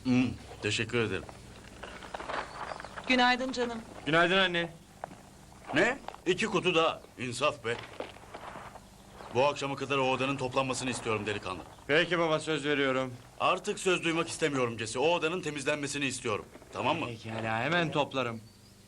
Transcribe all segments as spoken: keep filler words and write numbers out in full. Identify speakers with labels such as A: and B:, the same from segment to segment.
A: Hmm, teşekkür ederim.
B: Günaydın canım.
C: Günaydın anne.
A: Ne? İki kutu daha. İnsaf be. Bu akşama kadar o odanın toplanmasını istiyorum delikanlı.
C: Peki baba, söz veriyorum.
A: Artık söz duymak istemiyorum Cesi. O odanın temizlenmesini istiyorum. Tamam mı?
C: Pekala, hemen toplarım.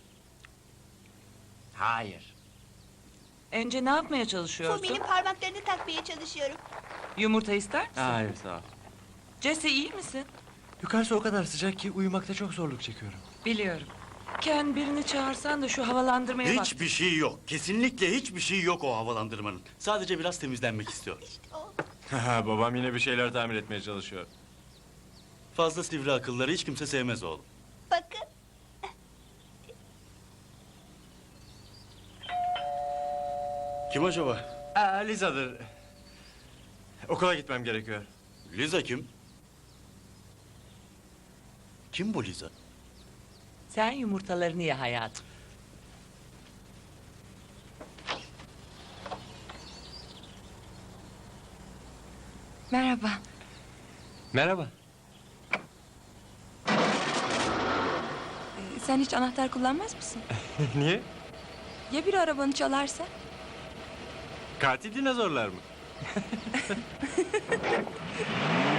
C: Hayır.
B: Ence ne yapmaya çalışıyorsun?
D: Fumi'nin parmaklarını takmaya çalışıyorum.
B: Yumurta ister misin?
C: Hayır, sağ ol.
B: Jesse iyi misin?
C: Yukarısı o kadar sıcak ki uyumakta çok zorluk çekiyorum.
B: Biliyorum. Ken birini çağırsan da şu havalandırmaya bak.
A: Hiçbir şey yok. Kesinlikle hiçbir şey yok o havalandırmanın. Sadece biraz temizlenmek istiyor.
D: O.
C: Babam yine bir şeyler tamir etmeye çalışıyor.
A: Fazla sivri akılları hiç kimse sevmez oğlum.
D: Bakın.
A: Kim acaba?
C: Aa, Liza'dır. Okula gitmem gerekiyor.
A: Liza kim? Kim bu Liza?
B: Sen yumurtalarını ye hayatım.
E: Merhaba.
C: Merhaba.
E: Ee, sen hiç anahtar kullanmaz mısın?
C: Niye?
E: Ya biri arabanı çalarsa?
C: Katil dinozorlar mı?